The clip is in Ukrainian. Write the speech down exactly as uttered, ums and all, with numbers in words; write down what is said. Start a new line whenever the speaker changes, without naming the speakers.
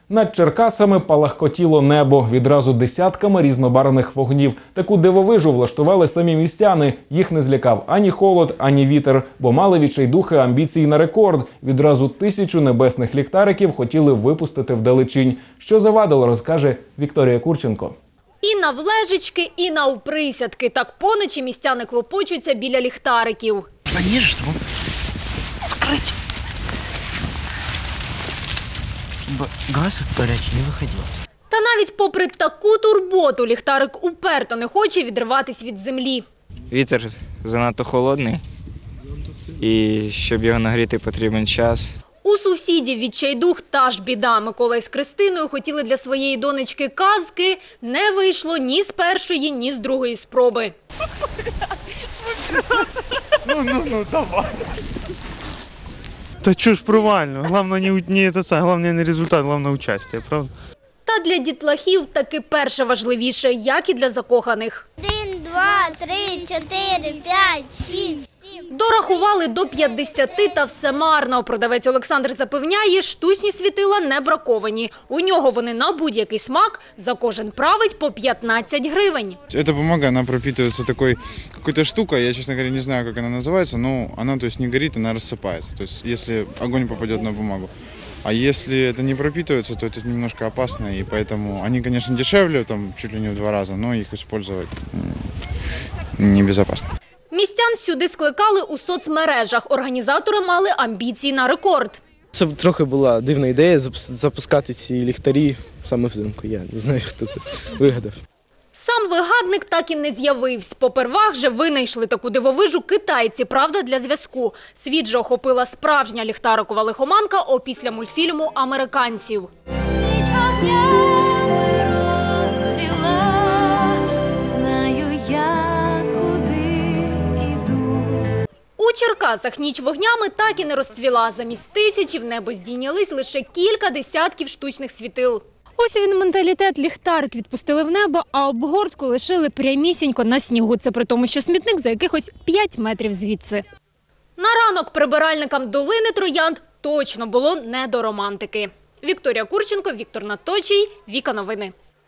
Над Черкасами палахкотіло небо відразу десятками різнобарвних вогнів. Таку дивовижу влаштували самі містяни. Їх не злякав ані холод, ані вітер, бо мали відчайдухи амбіцій на рекорд. Відразу тисячу небесних ліхтариків хотіли випустити вдалечінь. Що завадило, розкаже Вікторія Курченко.
І навлежечки, і навприсядки. Так поночі містяни клопочуться біля ліхтариків.
Они ждут. Вскрыть. Чтобы газ горячий не выходил.
Та навіть попри таку турботу ліхтарик уперто не хоче відриватись від землі.
Вітер занадто холодний, і щоб його нагріти, потрібен час.
У сусідів відчайдух та ж біда. Микола із Кристиною хотіли для своєї донечки казки. Не вийшло ні з першої, ні з другої спроби.
Ну, ну, ну, давай. Та чого ж провально? Головне не, не, це, головне не результат, головне участь, правда?
Та для дітлахів таки перше важливіше, як і для закоханих.
Один, два, три, чотири, п'ять, шість, сім.
Дорахували до п'ятдесяти та все марно. Продавець Олександр запевняє, штучні світила не браковані. У нього вони на будь-який смак, за кожен править по п'ятнадцять гривень.
Эта бумага, она пропитывается такой какой-то штукой, я, честно говоря, не знаю, как она называется, но она, то есть, не горит, она рассыпается, то есть, если огонь попадет на бумагу. А если это не пропитывается, то это немножко опасно, и поэтому они, конечно, дешевле, там, чуть ли не в два раза, но их использовать небезопасно.
Містян сюди скликали у соцмережах. Організатори мали амбіції на рекорд.
Це трохи була дивна ідея запускати ці ліхтарі саме взимку. Я не знаю, хто це вигадав.
Сам вигадник так і не з'явився. Попервах же винайшли таку дивовижу китайці, правда, для зв'язку. Світ же охопила справжня ліхтарикова лихоманка опісля мультфільму американців. У Черкасах ніч вогнями так і не розцвіла. Замість тисячі в небо здійнялись лише кілька десятків штучних світил. Ось він менталітет. Ліхтарик відпустили в небо, а обгортку лишили прямісінько на снігу. Це при тому, що смітник за якихось п'ять метрів звідси. На ранок прибиральникам долини Троянд точно було не до романтики. Вікторія Курченко, Віктор Наточій, Віка Новини.